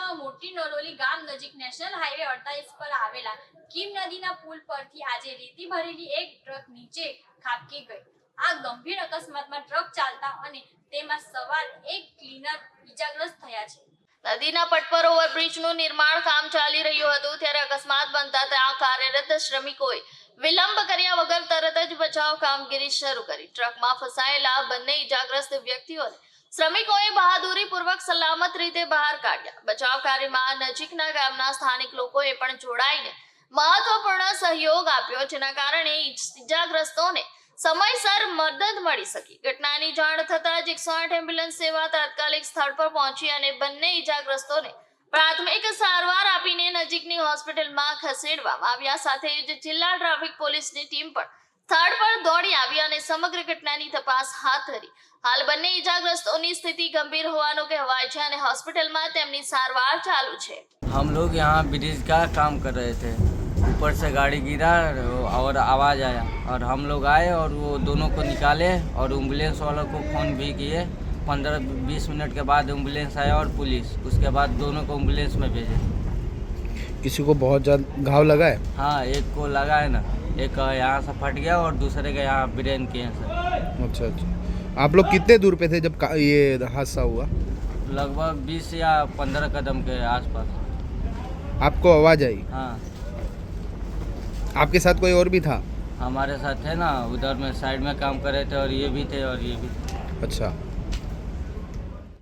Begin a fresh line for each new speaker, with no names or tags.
જિલ્લામાં મોટી નરોલી ગામ નજીક નેશનલ હાઈવે 48 પર આવેલા કીમ નદીના પુલ પરથી આજે રેતી ભરેલી એક ટ્રક નીચે ખાબકી ગઈ। આ ગંભીર અકસ્માતમાં ટ્રક ચાલતા અને તેમાં સવાર એક ક્લીનર ઈજાગ્રસ્ત થયા છે। નદીના પટ પર ઓવરબ્રિજનું નિર્માણ કામ ચાલી રહ્યું હતું ત્યારે અકસ્માત બનતા ત્યાં કાર્યરત શ્રમિકોએ વિલંબ કર્યા વગર તરત જ બચાવ કામગીરી શરૂ કરી। ટ્રકમાં ફસાયેલા બંને ઈજાગ્રસ્ત વ્યક્તિઓને શ્રમિકોએ બહાદુરીપૂર્વક સલામત રીતે બહાર કાઢ્યા। બચાવ કાર્યમાં નજીકના ગામના સ્થાનિક લોકોએ પણ જોડાઈને મહત્વપૂર્ણ સહયોગ આપ્યો, જેના કારણે ઈજાગ્રસ્તોને સમયસર મદદ મળી શકી। ઘટનાની જાણ થતાં જ 108 એમ્બ્યુલન્સ સેવા તાત્કાલિક સ્થળ પર પહોંચી અને બંને ઈજાગ્રસ્તોને પ્રાથમિક સારવાર આપીને નજીકની હોસ્પિટલમાં ખસેડવામાં આવ્યા। સાથે જ જિલ્લા ટ્રાફિક પોલીસની ટીમ પણ સ્થળ પર દોડી આવી અને સમગ્ર ઘટનાની તપાસ હાથ ધરી। હાલ બંને ઈજાગ્રસ્તોની સ્થિતિ ગંભીર હોવાનું કહેવાય છે અને હોસ્પિટલમાં તેમની સારવાર ચાલુ છે।
हम लोग यहाँ ब्रिज का काम कर रहे थे, ऊपर से गाड़ी गिरा और आवाज़ आया और हम लोग आए और वो दोनों को निकाले और एम्बुलेंस वालों को फ़ोन भी किए। 15-20 मिनट के बाद एम्बुलेंस आया और पुलिस, उसके बाद दोनों को एम्बुलेंस में भेजे।
किसी को बहुत ज़्यादा घाव लगा है?
हाँ, एक को लगा है ना, एक यहाँ से फट गया और दूसरे का यहाँ ब्रेन कैंसर।
अच्छा अच्छा। आप लोग कितने दूर पे थे जब ये हादसा हुआ?
लगभग 20 या 15 कदम के आसपास।
आपको आवाज़ आई?
हाँ,
आपके साथ कोई और भी था?
हमारे साथ थे ना, उधर में साइड में काम कर रहे थे और ये भी थे और ये भी थे।
अच्छा।